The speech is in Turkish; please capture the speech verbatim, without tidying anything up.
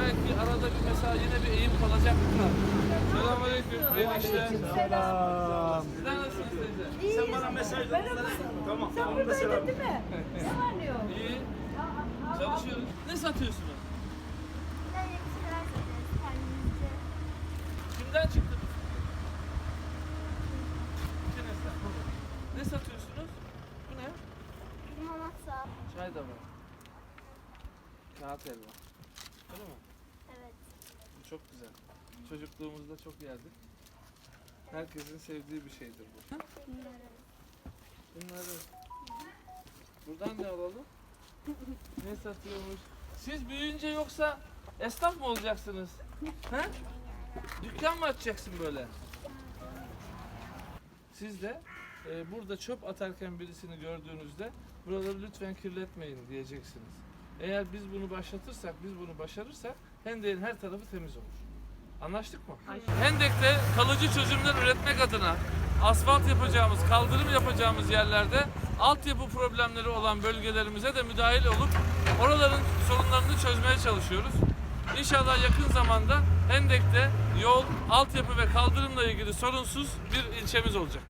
belki arada bir mesela yine bir eğim kalacak mı? Selamünaleyküm. Hayırlı işler. Selam. Sizler nasılsınız teyze? Sen bana mesaj ver. Tamam. Sen buradaydın değil mi? Ne var ne yok? İyi. Çalışıyoruz. Ne satıyorsunuz? Böyle bir şeyler satıyoruz kendimizce. Kimden çıktı bu? İçinizden. Ne satıyorsunuz? Bu ne? Limonata. Çay da var. Kağıt elma. Öyle mi? Evet. Bu çok güzel. Çocukluğumuzda çok yerdik. Herkesin sevdiği bir şeydir bu. Bunları. Bunları. Buradan ne alalım? Ne satıyormuş? Siz büyüyünce yoksa esnaf mı olacaksınız? He? Dükkan mı açacaksın böyle? Siz de e, burada çöp atarken birisini gördüğünüzde buraları lütfen kirletmeyin diyeceksiniz. Eğer biz bunu başlatırsak, biz bunu başarırsak Hendek'in her tarafı temiz olur. Anlaştık mı? Hendek'te kalıcı çözümler üretmek adına asfalt yapacağımız, kaldırım yapacağımız yerlerde altyapı problemleri olan bölgelerimize de müdahil olup oraların sorunlarını çözmeye çalışıyoruz. İnşallah yakın zamanda Hendek'te yol, altyapı ve kaldırımla ilgili sorunsuz bir ilçemiz olacak.